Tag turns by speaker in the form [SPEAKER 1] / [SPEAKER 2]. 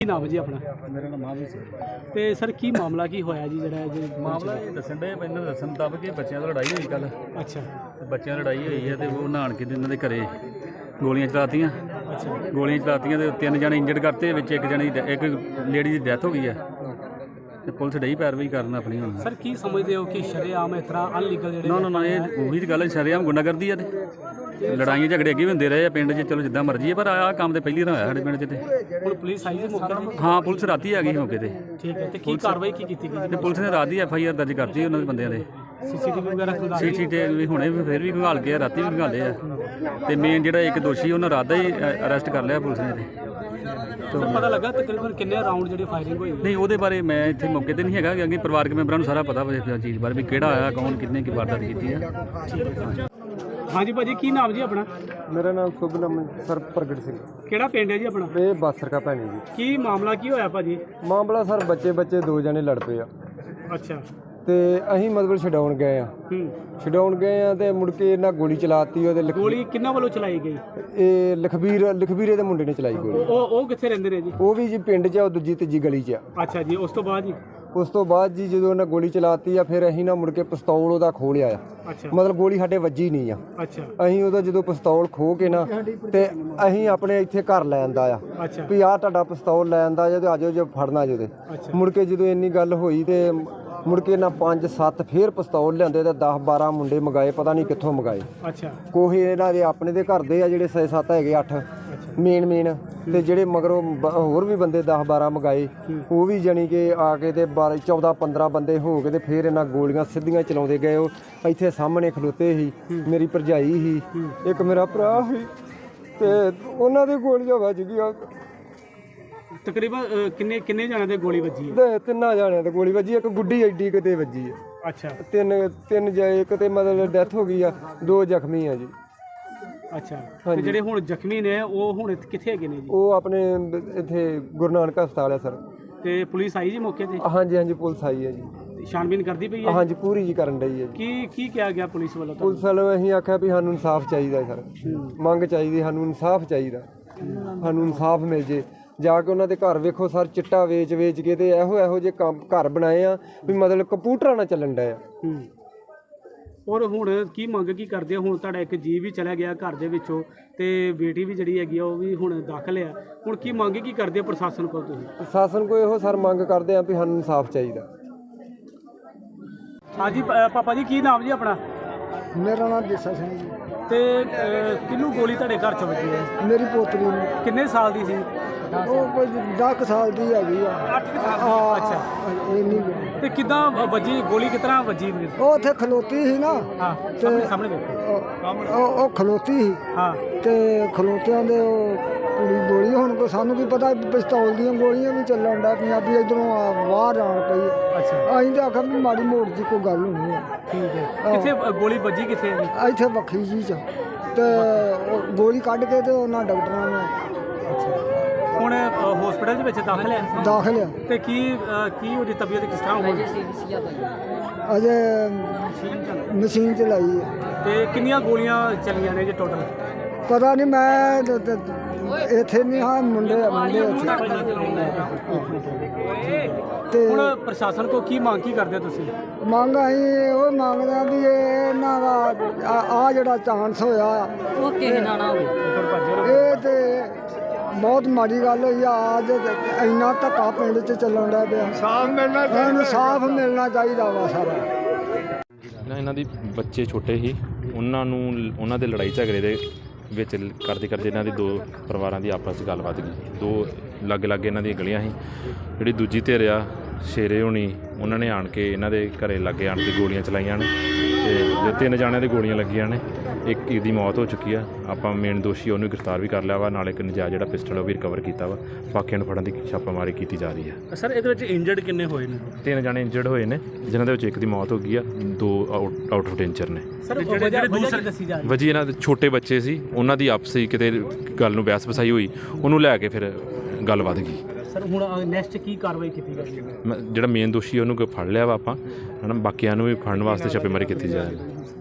[SPEAKER 1] ਕੀ ਨਾਮ ਜੀ ਆਪਣਾ?
[SPEAKER 2] ਮੇਰਾ ਨਾਮ ਮਾਹਵੀਰ ਸਿੰਘ।
[SPEAKER 1] ਤੇ ਸਰ ਕੀ ਮਾਮਲਾ ਕੀ ਹੋਇਆ ਜੀ ਜਿਹੜਾ
[SPEAKER 2] ਮਾਮਲਾ ਇਹ ਦੱਸਣ ਦੇ ਇਹਨਾਂ ਦੱਸਣ ਮੁਤਾਬਕ ਕਿ ਬੱਚਿਆਂ ਦੀ ਲੜਾਈ ਹੋਈ ਕੱਲ।
[SPEAKER 1] ਅੱਛਾ
[SPEAKER 2] ਬੱਚਿਆਂ ਦੀ ਲੜਾਈ ਹੋਈ ਹੈ ਤੇ ਉਹ ਨਹਾਣ ਕੇ ਇਹਨਾਂ ਦੇ ਘਰੇ ਗੋਲੀਆਂ ਚਲਾਤੀਆਂ।
[SPEAKER 1] ਅੱਛਾ
[SPEAKER 2] ਗੋਲੀਆਂ ਚਲਾਤੀਆਂ ਤੇ 3 ਜਣੇ ਇੰਜਰਡ ਕਰਤੇ, ਵਿੱਚ ਇੱਕ ਲੇਡੀ ਦੀ ਡੈਥ ਹੋ ਗਈ ਹੈ ਤੇ ਪੁਲਿਸ ਡਈ ਪੈਰਵਾਈ ਕਰਨ ਆਪਣੀ ਹੁਣ।
[SPEAKER 1] ਸਰ ਕੀ ਸਮਝਦੇ ਹੋ ਕਿ ਸ਼ਰੇਆਮ ਇਸ ਤਰ੍ਹਾਂ ਅਨਲੀਗਲ ਜਿਹੜੇ
[SPEAKER 2] ਨਾ ਇਹ ਉਹੀ ਤਾਂ ਗੱਲ ਹੈ, ਸ਼ਰੇਆਮ ਗੁੰਡਾਗਰਦੀ ਆ ਤੇ ਲੜਾਈਆਂ ਝਗੜੇ ਅੱਗੇ ਵੀ ਹੁੰਦੇ ਰਹੇ ਆ ਪਿੰਡ 'ਚ। ਚਲੋ ਜਿੱਦਾਂ ਮਰਜ਼ੀ ਹੈ, ਪਰ ਆਹ ਕੰਮ ਤੇ ਪਹਿਲੀ ਵਾਰ ਹੋਇਆ ਸਾਡੇ ਪਿੰਡ 'ਚ। ਤੇ
[SPEAKER 1] ਹੁਣ ਪੁਲਿਸ ਆਈ ਜੀ ਮੌਕੇ ਤੇ?
[SPEAKER 2] ਹਾਂ, ਪੁਲਿਸ ਰਾਤੀ ਆ ਗਈ ਮੌਕੇ ਤੇ।
[SPEAKER 1] ਠੀਕ ਹੈ, ਤੇ ਕੀ ਕਾਰਵਾਈ ਕੀ ਕੀਤੀ ਗਈ?
[SPEAKER 2] ਤੇ ਪੁਲਿਸ ਨੇ ਰਾਤ ਦੀ FIR ਦਰਜ ਕਰਤੀ ਉਹਨਾਂ ਦੇ ਬੰਦਿਆਂ ਦੇ।
[SPEAKER 1] CCTV ਵਗੈਰਾ
[SPEAKER 2] CCTV ਹੁਣੇ ਫਿਰ ਵੀ ਘਾਲ ਕੇ ਰਾਤੀ ਵੀ ਘਾਲੇ ਆ। ਤੇ ਮੇਨ ਜਿਹੜਾ ਇੱਕ ਦੋਸ਼ੀ ਉਹਨਾਂ ਰਾਤ ਦਾ ਹੀ ਅਰੈਸਟ ਕਰ ਲਿਆ ਪੁਲਿਸ ਨੇ।
[SPEAKER 1] ਤੇ ਪਤਾ ਲੱਗਾ ਤਕਰੀਬਨ ਕਿੰਨੇ ਰਾਉਂਡ ਜਿਹੜੀ ਫਾਇਰਿੰਗ ਹੋਈ?
[SPEAKER 2] ਨਹੀਂ, ਉਹਦੇ ਬਾਰੇ ਮੈਂ ਇੱਥੇ ਮੌਕੇ ਤੇ ਨਹੀਂ ਹੈਗਾ, ਅੱਗੇ ਪਰਿਵਾਰਕ ਮੈਂਬਰਾਂ ਨੂੰ ਸਾਰਾ ਪਤਾ ਵਾ ਚੀਜ਼ ਬਾਰੇ ਵੀ ਕਿਹੜਾ ਆਇਆ, ਕੌਣ, ਕਿੰਨੇ ਕੀ ਵਾਰਦਾਤ ਕੀਤੀ ਆ।
[SPEAKER 1] ਹਾਂਜੀ ਭਾਜੀ, ਕੀ ਨਾਮ ਜੀ ਆਪਣਾ?
[SPEAKER 3] ਮੇਰਾ ਨਾਮ ਸ਼ੁਭ ਨਾਮ ਸਰ ਪ੍ਰਗਟ ਸਿੰਘ।
[SPEAKER 1] ਕਿਹੜਾ ਪਿੰਡ ਹੈ ਜੀ ਆਪਣਾ?
[SPEAKER 3] ਇਹ ਬਾਸਰਕਾ ਭੈਣੀ ਜੀ।
[SPEAKER 1] ਕੀ ਮਾਮਲਾ ਕੀ ਹੋਇਆ ਭਾਜੀ?
[SPEAKER 3] ਮਾਮਲਾ ਸਰ ਬੱਚੇ 2 ਜਣੇ ਲੜ ਪਏ ਆ
[SPEAKER 1] ਅੱਛਾ।
[SPEAKER 3] ਤੇ ਅਸੀਂ ਮਤਲਬ ਛਡਾਉਣ ਗਏ ਆ ਤੇ ਮੁੜ ਕੇ ਇਹਨਾਂ ਗੋਲੀ ਚਲਾਤੀ। ਉਹਦੇ
[SPEAKER 1] ਗੋਲੀ ਕਿੰਨਾਂ ਵੱਲੋਂ ਚਲਾਈ ਗਈ?
[SPEAKER 3] ਇਹ ਲਖਬੀਰੇ ਦੇ ਮੁੰਡੇ ਨੇ ਚਲਾਈ ਗੋਲੀ।
[SPEAKER 1] ਉਹ ਕਿੱਥੇ ਰਹਿੰਦੇ ਨੇ ਜੀ?
[SPEAKER 3] ਉਹ ਵੀ ਜੀ ਪਿੰਡ 'ਚ ਆ, ਉਹ ਦੂਜੀ ਤੀਜੀ ਗਲੀ 'ਚ ਆ।
[SPEAKER 1] ਅੱਛਾ ਜੀ, ਉਸ ਤੋਂ ਬਾਅਦ ਜੀ?
[SPEAKER 3] ਉਸ ਤੋਂ ਬਾਅਦ ਜੀ ਜਦੋਂ ਉਹਨਾਂ ਗੋਲੀ ਚਲਾਤੀ ਆ, ਫਿਰ ਅਸੀਂ ਨਾ ਮੁੜ ਕੇ ਪਿਸਤੌਲ ਉਹਦਾ ਖੋਹ ਲਿਆ ਆ।
[SPEAKER 1] ਅੱਛਾ।
[SPEAKER 3] ਮਤਲਬ ਗੋਲੀ ਸਾਡੇ ਵੱਜੀ ਨਹੀਂ ਆ।
[SPEAKER 1] ਅੱਛਾ।
[SPEAKER 3] ਅਸੀਂ ਉਹਦਾ ਜਦੋਂ ਪਿਸਤੌਲ ਖੋਹ ਕੇ ਨਾ ਤੇ ਅਸੀਂ ਆਪਣੇ ਇੱਥੇ ਘਰ ਲੈ ਆਂਦਾ ਆ
[SPEAKER 1] ਅੱਛਾ
[SPEAKER 3] ਵੀ ਆਹ ਤੁਹਾਡਾ ਪਿਸਤੌਲ ਲੈ ਆਂਦਾ ਜੇ ਤੇ ਆਜੋ ਜੇ ਫੜਨਾ ਜੇ। ਮੁੜ ਕੇ ਜਦੋਂ ਇੰਨੀ ਗੱਲ ਹੋਈ ਤੇ ਮੁੜ ਕੇ ਨਾ 5-7 ਫੇਰ ਪਿਸਤੌਲ ਲਿਆਂਦੇ ਤੇ 10-12 ਮੁੰਡੇ ਮੰਗਾਏ, ਪਤਾ ਨਹੀਂ ਕਿੱਥੋਂ ਮੰਗਾਏ।
[SPEAKER 1] ਅੱਛਾ।
[SPEAKER 3] ਕੋਈ ਇਹਨਾਂ ਦੇ ਆਪਣੇ ਦੇ ਘਰ ਦੇ ਆ ਜਿਹੜੇ 6-7 ਹੈਗੇ, 8 ਮੇਨ ਤੇ ਜਿਹੜੇ ਮਗਰੋਂ ਹੋਰ ਵੀ ਬੰਦੇ 10-12 ਮੰਗਾਏ। ਉਹ ਵੀ ਜਾਣੀ ਕਿ ਆ ਕੇ ਤੇ 14-15 ਬੰਦੇ ਹੋ ਕੇ ਤੇ ਫਿਰ ਇਹਨਾਂ ਗੋਲੀਆਂ ਸਿੱਧੀਆਂ ਚਲਾਉਂਦੇ ਗਏ। ਉਹ ਇੱਥੇ ਸਾਹਮਣੇ ਖਲੋਤੇ ਸੀ, ਮੇਰੀ ਭਰਜਾਈ ਸੀ, ਇੱਕ ਮੇਰਾ ਭਰਾ ਸੀ, ਤੇ ਉਹਨਾਂ ਦੇ ਗੋਲੀਆਂ ਵੱਜ ਗਈਆਂ।
[SPEAKER 1] ਤਕਰੀਬਨ ਕਿੰਨੇ ਜਣਿਆਂ ਦੇ ਗੋਲੀ ਵੱਜੀ ਹੈ?
[SPEAKER 3] ਤੇ 3 ਜਣਿਆਂ ਤੇ ਗੋਲੀ ਵੱਜੀ, ਇੱਕ ਗੁੱਡੀ ਐਡੀ ਕਿਤੇ ਵੱਜੀ ਆ।
[SPEAKER 1] ਅੱਛਾ।
[SPEAKER 3] ਤਿੰਨ ਇੱਕ ਤੇ ਮਤਲਬ ਡੈਥ ਹੋ ਗਈ ਆ, 2 ਜ਼ਖਮੀ ਆ ਜੀ।
[SPEAKER 1] ਅੱਛਾ। ਤੇ ਜਿਹੜੇ ਹੁਣ ਜ਼ਖਮੀ ਨੇ ਉਹ ਹੁਣ ਕਿੱਥੇ ਹੈਗੇ ਨੇ ਜੀ?
[SPEAKER 3] ਉਹ ਆਪਣੇ ਇੱਥੇ ਗੁਰੂ ਨਾਨਕ ਹਸਪਤਾਲ ਆ ਸਰ।
[SPEAKER 1] ਤੇ ਪੁਲਿਸ ਆਈ ਜੀ ਮੌਕੇ ਤੇ?
[SPEAKER 3] ਹਾਂਜੀ ਪੁਲਿਸ ਆਈ ਹੈ ਜੀ।
[SPEAKER 1] ਛਾਣਬੀਨ ਕਰਦੀ ਪਈ ਹੈ?
[SPEAKER 3] ਹਾਂਜੀ, ਪੂਰੀ ਜੀ ਕਰਨ ਡਈ ਹੈ ਜੀ।
[SPEAKER 1] ਕੀ ਕਿਹਾ ਗਿਆ ਪੁਲਿਸ ਵੱਲੋਂ?
[SPEAKER 3] ਪੁਲਿਸ ਵੱਲੋਂ ਅਸੀਂ ਆਖਿਆ ਵੀ ਸਾਨੂੰ ਇਨਸਾਫ ਚਾਹੀਦਾ ਸਰ, ਮੰਗ ਚਾਹੀਦੀ, ਸਾਨੂੰ ਇਨਸਾਫ ਚਾਹੀਦਾ, ਸਾਨੂੰ ਇਨਸਾਫ ਮਿਲ ਜੇ। ਜਾ ਕੇ ਉਹਨਾਂ ਦੇ ਘਰ ਵੇਖੋ ਸਰ, ਚਿੱਟਾ ਵੇਚ ਕੇ ਤੇ ਇਹੋ ਜਿਹੇ ਕੰਮ ਘਰ ਬਣਾਏ ਆ ਵੀ ਮਤਲਬ ਕੰਪਿਊਟਰਾਂ ਨਾਲ ਚੱਲਣ ਡਿਆ।
[SPEAKER 1] ਔਰ ਹੁਣ ਕੀ ਮੰਗ ਕੀ ਕਰਦੇ ਹੋ? ਹੁਣ ਤੁਹਾਡਾ ਇੱਕ ਜੀ ਵੀ ਚਲਾ ਗਿਆ ਘਰ ਦੇ ਵਿੱਚੋਂ ਤੇ ਬੇਟੀ ਵੀ ਜਿਹੜੀ ਹੈਗੀ ਆ ਉਹ ਵੀ ਹੁਣ ਦਾਖਲ ਆ। ਹੁਣ ਕੀ ਮੰਗ ਕੀ ਕਰਦੇ ਹੋ ਪ੍ਰਸ਼ਾਸਨ ਕੋਲ ਤੁਸੀਂ?
[SPEAKER 3] ਪ੍ਰਸ਼ਾਸਨ ਕੋਲ ਇਹੋ ਸਰ ਮੰਗ ਕਰਦੇ ਆ ਵੀ ਸਾਨੂੰ ਇਨਸਾਫ ਚਾਹੀਦਾ।
[SPEAKER 1] ਹਾਂਜੀ ਪਾਪਾ ਜੀ, ਕੀ ਨਾਮ ਜੀ ਆਪਣਾ?
[SPEAKER 3] ਮੇਰਾ ਨਾਮ ਦੇਸਾ ਸਿੰਘ ਜੀ।
[SPEAKER 1] ਤੇ ਕਿਹਨੂੰ ਗੋਲੀ ਤੁਹਾਡੇ ਘਰ ਚ ਵੱਜੀ ਹੈ?
[SPEAKER 3] ਮੇਰੀ ਪੋਤਰੀ ਨੂੰ।
[SPEAKER 1] ਕਿੰਨੇ ਸਾਲ ਦੀ ਸੀ?
[SPEAKER 3] ਉਹ ਕੋਈ 10 ਸਾਲ ਦੀ ਹੈਗੀ ਆ।
[SPEAKER 1] 8 ਸਾਲ। ਅੱਛਾ। ਤੇ ਕਿੱਦਾਂ ਵੱਜੀ ਗੋਲੀ, ਕਿਸ ਤਰ੍ਹਾਂ ਵੱਜੀ?
[SPEAKER 3] ਉਹ ਉੱਥੇ ਖਲੋਤੀ ਸੀ ਨਾ।
[SPEAKER 1] ਹਾਂ, ਸਾਹਮਣੇ ਵੇਖੋ।
[SPEAKER 3] ਉਹ ਖਲੋਤੀ ਸੀ।
[SPEAKER 1] ਹਾਂ।
[SPEAKER 3] ਤੇ ਖਲੋਤਿਆਂ ਦੇ ਉਹ ਕੁੜੀ ਗੋਲੀ, ਹੁਣ ਕੋ ਸਾਨੂੰ ਕੀ ਪਤਾ ਪਿਸਤੌਲ ਦੀਆਂ ਗੋਲੀਆਂ ਵੀ ਚੱਲਣ ਦਾ ਪੰਜਾਬੀ ਇਧਰੋਂ ਬਾਹਰ ਆਣ ਪਈ।
[SPEAKER 1] ਅੱਛਾ।
[SPEAKER 3] ਅਸੀਂ ਤਾਂ ਆਖਿਆ ਵੀ ਮਾੜੀ ਮੋੜ ਦੀ ਕੋਈ ਗੱਲ ਹੋਣੀ ਹੈ।
[SPEAKER 1] ਠੀਕ ਹੈ। ਕਿੱਥੇ ਗੋਲੀ ਵੱਜੀ, ਕਿੱਥੇ ਹੈ?
[SPEAKER 3] ਇੱਥੇ ਵੱਖਰੀ ਜੀ ਚ ਤੇ ਉਹ ਗੋਲੀ ਕੱਢ ਕੇ ਤੇ ਉਹਨਾਂ ਡਾਕਟਰਾਂ ਨੇ।
[SPEAKER 1] ਅੱਛਾ। ਹੁਣ ਹਸਪੀਟਲ ਦੇ ਵਿੱਚ ਦਾਖਲ ਹੈ?
[SPEAKER 3] ਦਾਖਲ ਆ।
[SPEAKER 1] ਤੇ ਕੀ ਉਹਦੀ ਤਬੀਅਤ ਕਿਸ ਤਰ੍ਹਾਂ ਹੋਈ?
[SPEAKER 3] ਅਜੇ ਮਸ਼ੀਨ ਚਲਾਈ ਹੈ।
[SPEAKER 1] ਤੇ ਕਿੰਨੀਆਂ ਗੋਲੀਆਂ ਚੱਲੀਆਂ ਨੇ ਜੀ ਟੋਟਲ?
[SPEAKER 3] ਪਤਾ ਨਹੀਂ, ਮੈਂ ਇੱਥੇ ਨਹੀਂ ਹਾਂ, ਮੁੰਡੇ
[SPEAKER 1] ਤੇ ਹੁਣ ਪ੍ਰਸ਼ਾਸਨ ਕੋ ਕੀ ਮੰਗ ਕੀ ਕਰਦੇ ਹੋ ਤੁਸੀਂ?
[SPEAKER 3] ਮੰਗ ਅਸੀਂ ਉਹ ਮੰਗਦੇ ਆ ਵੀ ਇਹਨਾਂ ਦਾ ਆ ਜਿਹੜਾ ਚਾਂਸ ਹੋਇਆ
[SPEAKER 4] ਉਹ ਕਿਸੇ ਨਾਲ ਨਾ ਹੋਵੇ।
[SPEAKER 3] ਇਹ ਤੇ ਬਹੁਤ ਮਾੜੀ ਗੱਲ ਹੋਈ ਆ। ਅੱਜ ਇੰਨਾ ਧੱਕਾ ਪਿੰਡ 'ਚ ਚੱਲਣ ਡਿਆ ਪਿਆ। ਇਨਸਾਫ ਮਿਲਣਾ ਚਾਹੀਦਾ ਵਾ ਸਾਰਾ।
[SPEAKER 5] ਇਹਨਾਂ ਦੀ ਬੱਚੇ ਛੋਟੇ ਸੀ, ਉਹਨਾਂ ਦੇ ਲੜਾਈ ਝਗੜੇ ਦੇ ਵਿੱਚ ਕਰਦੇ ਇਹਨਾਂ ਦੀ 2 ਪਰਿਵਾਰਾਂ ਦੀ ਆਪਸ 'ਚ ਗੱਲਬਾਤ ਗਈ। 2 ਲਾਗੇ ਇਹਨਾਂ ਦੀਆਂ ਗਲੀਆਂ ਸੀ। ਜਿਹੜੀ ਦੂਜੀ ਧਿਰ ਆ ਸ਼ੇਰੇ ਹੋਣੀ, ਉਹਨਾਂ ਨੇ ਆਣ ਕੇ ਇਹਨਾਂ ਦੇ ਘਰੇ ਲਾਗੇ ਆਣ ਕੇ ਗੋਲੀਆਂ ਚਲਾਈਆਂ ਨੇ ਤੇ 3 ਜਾਣਿਆਂ ਦੇ ਗੋਲੀਆਂ ਲੱਗੀਆਂ ਨੇ। ਇੱਕ ਦੀ ਮੌਤ ਹੋ ਚੁੱਕੀ ਆ। ਆਪਾਂ ਮੇਨ ਦੋਸ਼ੀ ਉਹਨੂੰ ਗ੍ਰਿਫਤਾਰ ਵੀ ਕਰ ਲਿਆ ਵਾ, ਨਾਲ ਇੱਕ ਨਜਾਇਜ਼ ਜਿਹੜਾ ਪਿਸਟਲ ਉਹ ਵੀ ਰਿਕਵਰ ਕੀਤਾ ਵਾ। ਬਾਕੀਆਂ ਨੂੰ ਫੜਨ ਦੀ ਛਾਪਾਮਾਰੀ ਕੀਤੀ ਜਾ ਰਹੀ ਹੈ।
[SPEAKER 1] ਸਰ, ਇਹਦੇ ਵਿੱਚ ਇੰਜਰਡ ਕਿੰਨੇ ਹੋਏ ਨੇ?
[SPEAKER 5] 3 ਜਾਣੇ ਇੰਜਰਡ ਹੋਏ ਨੇ, ਜਿਨ੍ਹਾਂ ਦੇ ਵਿੱਚ ਇੱਕ ਦੀ ਮੌਤ ਹੋ ਗਈ ਆ, 2 ਆਊਟ ਆਫ ਡੇਂਜਰ ਨੇ।
[SPEAKER 1] ਸਰ, ਜਿਹੜੇ ਦੂਸਰੇ ਦੱਸੀ ਜਾ ਰਹੀ
[SPEAKER 5] ਵਜੀ ਇਹਨਾਂ ਦੇ ਛੋਟੇ ਬੱਚੇ ਸੀ, ਉਹਨਾਂ ਦੀ ਆਪਸੀ ਕਿਤੇ ਗੱਲ ਨੂੰ ਬਹਿਸ ਵਸਾਈ ਹੋਈ, ਉਹਨੂੰ ਲੈ ਕੇ ਫਿਰ ਗੱਲ ਵੱਧ ਗਈ।
[SPEAKER 1] ਸਰ, ਹੁਣ ਨੈਕਸਟ ਕੀ ਕਾਰਵਾਈ ਕੀਤੀ ਜਾਵੇਗੀ?
[SPEAKER 5] ਜਿਹੜਾ ਮੇਨ ਦੋਸ਼ੀ ਉਹਨੂੰ ਫੜ ਲਿਆ ਵਾ ਆਪਾਂ, ਹੈ ਨਾ। ਬਾਕੀਆਂ ਨੂੰ ਵੀ ਫੜਨ ਵਾਸਤੇ ਛਾਪੇਮਾਰੀ ਕੀਤੀ ਜਾ ਰਹੀ ਹੈ।